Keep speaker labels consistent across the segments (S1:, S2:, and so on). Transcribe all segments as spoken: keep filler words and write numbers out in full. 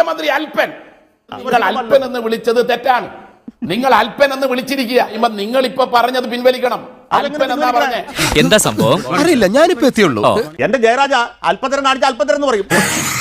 S1: മുഖ്യമന്ത്രി അൽപ്പൻ, നിങ്ങൾ അൽപ്പൻ എന്ന് വിളിച്ചത് തെറ്റാണ്. നിങ്ങൾ അൽപ്പൻ എന്ന് വിളിച്ചിരിക്കുക. നിങ്ങൾ ഇപ്പൊ പറഞ്ഞത് പിൻവലിക്കണം. അൽപ്പൻ എന്നാ പറഞ്ഞേ.
S2: എന്താ സംഭവം അറിയില്ല, ഞാനിപ്പോ എത്തിയുള്ളൂ.
S3: എന്റെ ജയരാജ അല്പത്തരം കാണിച്ച അല്പത്തരം എന്ന് പറയും.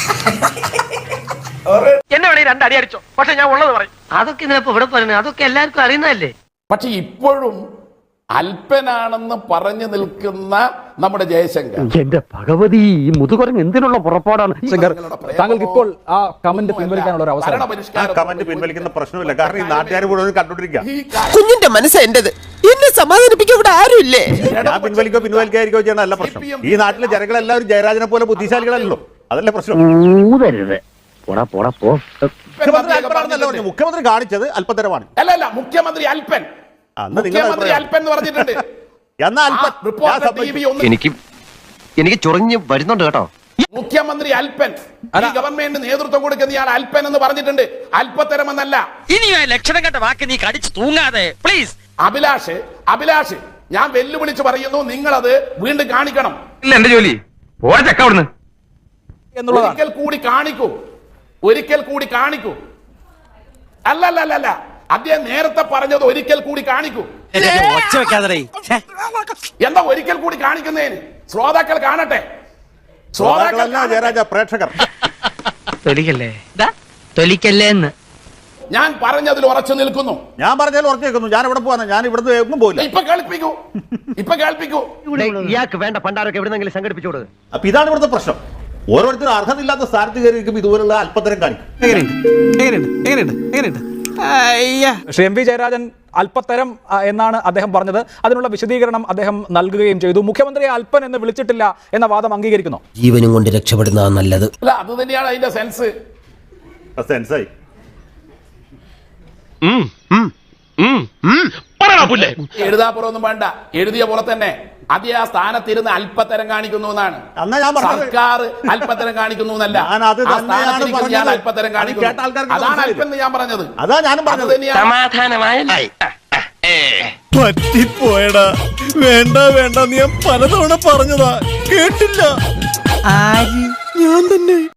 S4: എന്നെ വേണേ രണ്ടടി അടിച്ചോ, പക്ഷെ ഞാൻ ഉള്ളത് പറയും. അതൊക്കെ ഇതിനപ്പോ ഇവിടെ പറയുന്നത് അതൊക്കെ എല്ലാവർക്കും അറിയുന്നതല്ലേ.
S1: പക്ഷെ ഇപ്പോഴും അല്പനാണെന്ന് പറഞ്ഞു നിൽക്കുന്ന നമ്മുടെ ജയശങ്കർ,
S5: എന്റെ ഭഗവതി, ഈ മുതുകുരങ്ങ് എന്തിനുള്ള പുറപ്പാടാണ്.
S6: താങ്കൾക്ക് ഇപ്പോൾ ആ കമന്റ് പിൻവലിക്കാനുള്ള ഒരു അവസരം.
S3: കമന്റ് പിൻവലിക്കുന്ന പ്രശ്നമില്ല, കാരണം ഈ നാട്ടുകാർ മുഴുവൻ കണ്ടോണ്ടിരിക്കുക.
S7: കുഞ്ഞിന്റെ മനസ്സ് എന്റേത്, എന്നെ സമാധാനിപ്പിക്കാൻ ഇവിടെ ആരുമില്ലേ.
S3: ഞാൻ പിൻവലിക്കോ പിൻവലിക്കാതിരിക്കോ ചെയ്യണ അല്ല പ്രശ്നം. ഈ നാട്ടിലെ ജനങ്ങളെല്ലാവരും ജയരാജനെ പോലെ ബുദ്ധിശാലികളല്ലോ, അതല്ലേ പ്രശ്നം. മുഖ്യമന്ത്രി അല്പനാണെന്നല്ല പറഞ്ഞു, മുഖ്യമന്ത്രി കാണിച്ചത് അല്പത്തരമാണ്.
S1: അല്ല അല്ല മുഖ്യമന്ത്രി അൽപ്പൻ, മുഖ്യമന്ത്രി അൽപ്പൻ എന്ന് പറഞ്ഞിട്ടുണ്ട്.
S5: എനിക്ക് എനിക്ക് ചൊറിഞ്ഞ് വരുന്നുണ്ട് കേട്ടോ.
S1: മുഖ്യമന്ത്രി അൽപ്പൻ, ഈ ഗവൺമെന്റ് നേതൃത്വം കൊടുക്കുന്ന ഇയാൾ അൽപ്പൻ എന്ന് പറഞ്ഞിട്ടുണ്ട്, അല്പത്തരം എന്നല്ല.
S4: ഇനി ലക്ഷണം കണ്ട വാക്ക് നീ കടിച്ചു തൂങ്ങാതെ പ്ലീസ്.
S1: അഭിലാഷ് അഭിലാഷ് ഞാൻ വെല്ലുവിളിച്ച് പറയുന്നു, നിങ്ങളത് വീണ്ടും കാണിക്കണം.
S4: ഇല്ല എന്റെ ജോലി ഓടച്ചക്കവിടുന്ന്
S1: ഒരിക്കൽ കൂടി കാണിക്കൂ, ഒരിക്കൽ കൂടി കാണിക്കൂ. അല്ല അല്ല അല്ല അല്ല അദ്ദേഹം നേരത്തെ പറഞ്ഞത് ഒരിക്കൽ കൂടി കാണിക്കൂ. എന്താ ഒരിക്കൽ കൂടി കാണിക്കുന്നതിന്? ശ്രോതാക്കൾ കാണട്ടെ.
S3: ജയരാജ പ്രേക്ഷകർ
S4: തൊലിക്കല്ലേ തൊലിക്കല്ലേ എന്ന്
S1: ഞാൻ പറഞ്ഞതിൽ ഉറച്ചു നിൽക്കുന്നു.
S3: ഞാൻ പറഞ്ഞാൽ ഉറച്ചു നിൽക്കുന്നു. ഞാൻ ഇവിടെ പോവാ, ഞാൻ ഇവിടുന്ന് എങ്ങും പോയില്ല.
S1: ഇപ്പൊ കേൾപ്പിക്കൂ, ഇപ്പൊ കേൾപ്പിക്കൂ.
S5: ഇയാൾക്ക് വേണ്ട പണ്ടാരൊക്കെ എവിടെന്നെങ്കിലും സംഘടിപ്പിച്ചോട്.
S3: അപ്പൊ ഇതാണ് ഇവിടുത്തെ പ്രശ്നം. ഓരോരുത്തരും അർഹതയില്ലാത്ത സ്ഥാനത്ത് കയറിയിരിക്കും ഇതുപോലുള്ള അല്പത്തരം കാണിക്കും.
S6: ശ്രീ എം വി ജയരാജൻ അല്പത്തരം എന്നാണ് അദ്ദേഹം പറഞ്ഞത്. അതിനുള്ള വിശദീകരണം അദ്ദേഹം നൽകുകയും ചെയ്തു. മുഖ്യമന്ത്രിയെ അല്പൻ എന്ന് വിളിച്ചിട്ടില്ല എന്ന വാദം അംഗീകരിക്കുന്നു.
S7: ജീവനും കൊണ്ട് രക്ഷപ്പെടുന്നതാണ് നല്ലത്.
S1: അല്ല അത് തന്നെയാണ് അതിന്റെ സെൻസ്.
S3: സെൻസായി
S1: എഴുതാപ്പുറമൊന്നും വേണ്ട, എഴുതിയ പോലെ തന്നെ അതേ ആ സ്ഥാനത്തിരുന്ന് അല്പത്തരം കാണിക്കുന്നു എന്നാണ്. സർക്കാർ അല്പത്തരം കാണിക്കുന്നു എന്നല്ല, അല്പത്തരം കാണിക്കുന്നു. അതാണ് അല്പൻ ഞാൻ പറഞ്ഞത്.
S3: അതാ ഞാനും പറഞ്ഞത്.
S2: പറ്റിപ്പോയടാ. വേണ്ട വേണ്ട നീ പലതവണ പറഞ്ഞതാ, കേട്ടില്ല.
S7: ഞാൻ തന്നെ